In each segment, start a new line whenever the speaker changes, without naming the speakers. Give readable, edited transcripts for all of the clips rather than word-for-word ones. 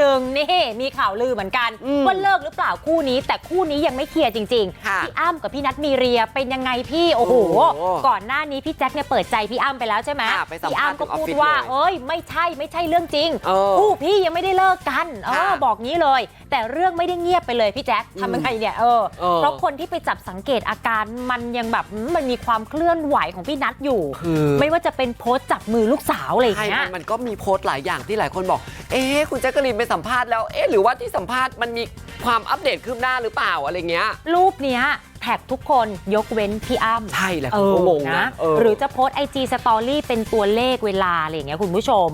หนึ่งนี่มีข่าวลือเหมือนกันว่าเลิกหรือเปล่าคู่นี้แต่คู่นี้ยังไม่เคลียร์จริงๆพี่อ้ำกับพี่นัทมีเรียเป็นยังไงพี่โอ้โหก่อนหน้านี้พี่แจ็คเนี่ยเปิดใจพี่อ้ำไปแล้วใช่ไหมพี่อ้ำก็พูดว่าเอ้ยไม่ใช่เรื่องจริงคู่พี่ยังไม่ได้เลิกกันบอกงี้เลยแต่เรื่องไม่ได้เงียบไปเลยพี่แจ็คทำยังไงเนี่ยเพราะคนที่ไปจับสังเกตอาการมันยังแบบมันมีความเคลื่อนไหวของพี่นัทอยู่ไม่ว่าจะเป็นโพสต์จับมือลูกสาวอะไรอย่างเงี้ย
มันก็มีโพสต์หลายอย่างที่หลายคนบอกคุณแจ๊กกะลีนไปสัมภาษณ์แล้วหรือว่าที่สัมภาษณ์มันมีความอัปเดตคืบหน้าหรือเปล่าอะไรเงี้ย
รูปเนี้ยแท็กทุกคนยกเว้นพี่อ้ำ
ใช่แหละผมก็งงนะ
หรือจะโพสต์ IG Story เป็นตัวเลขเวลาอะไรอย่างเงี้ยคุณผู้ชม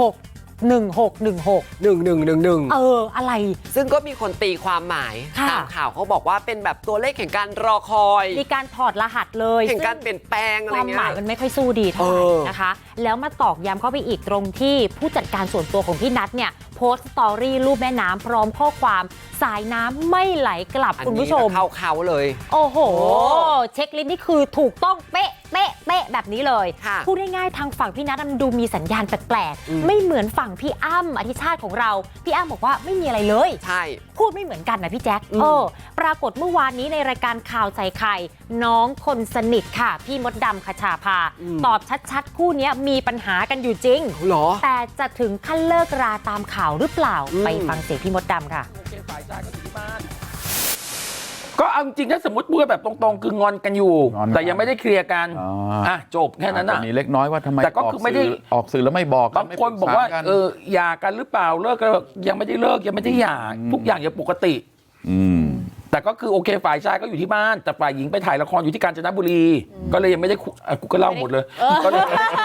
161611อะไร
ซึ่งก็มีคนตีความหมายตามข่าวเขาบอกว่าเป็นแบบตัวเลขแห่งการรอคอย
มีการถอดรหัสเลย
แห่งการเปลี่ยนแปลงอะไรเงี้ย
ความหมายมันไม่ค่อยสู้ดีเท่าไหร่นะคะแล้วมาตอกย้ำเข้าไปอีกตรงที่ผู้จัดการส่วนตัวของพี่นัทเนี่ยโพสต์สตอรี่รูปแม่น้ำพร้อมข้อความสายน้ำไม่ไหลกลับคุณผู้ชม
เข้าเลย
โอ้โหเช็คลิสต์นี่คือถูกต้องเป๊ะแบบนี้เลยพูดง่ายๆทางฝั่งพี่นัทมันดูมีสัญญาณแปลกๆไม่เหมือนฝั่งพี่อ้ำอธิชาติของเราพี่อ้ำบอกว่าไม่มีอะไรเลย
ใช่
พูดไม่เหมือนกันนะพี่แจ๊คปรากฏเมื่อวานนี้ในรายการข่าวใส่ไข่น้องคนสนิทค่ะพี่มดดำคชาภาตอบชัดๆคู่นี้มีปัญหากันอยู่จริงแต่จะถึงขั้นเลิกราตามข่าวหรือเปล่าไปฟังเสียงพี่มดดำค่ะ
ก็เอาจริงถ้าสมมติพูดแบบตรงๆคืองอนกันอยู่แต่ยังไม่ได้เคลียร์กันจบแค่นั้นนะ
มีเล็กน้อยว่าทำไม
แต่ก็คือไม่ได้
ออกสื่อแล้วไม่บอก
บางคนบอกว่าหย่ากันหรือเปล่าเลิกกันยังไม่ได้เลิกยังไม่ได้หย่าทุกอย่างยังปกติแต่ก็คือโอเคฝ่ายชายก็อยู่ที่บ้านแต่ฝ่ายหญิงไปถ่ายละครอยู่ที่กาญจนบุรีก็เลยยังไม่ได้กูก็เล่าหมดเลยก็เลย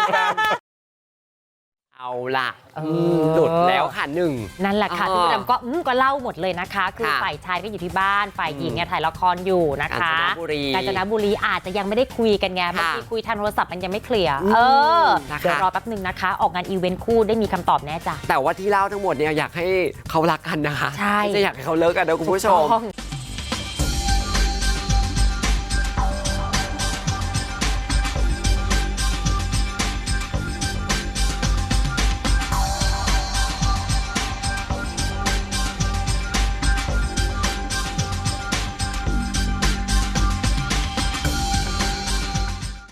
เอาล่ะหลุดแล้วค่ะ
นั่นแหละค่ะพี่ดำก็เล่าหมดเลยนะคะคือฝ่ายชายก็อยู่ที่บ้านฝ่ายหญิงเนี่ยถ่ายละครอยู่นะคะกาญจนบุรีอาจจะยังไม่ได้คุยกันไงบางทีคุยทางโทรศัพท์มันยังไม่เคลียร์เดี๋ยวรอแป๊บนึงนะคะออกงานอีเวนต์คู่ได้มีคำตอบแน่จ้ะ
แต่ว่าที่เล่าทั้งหมดเนี่ยอยากให้เขารักกันนะคะไม่ใช่อยากให้เขาเลิกกันนะคุณผู้ชม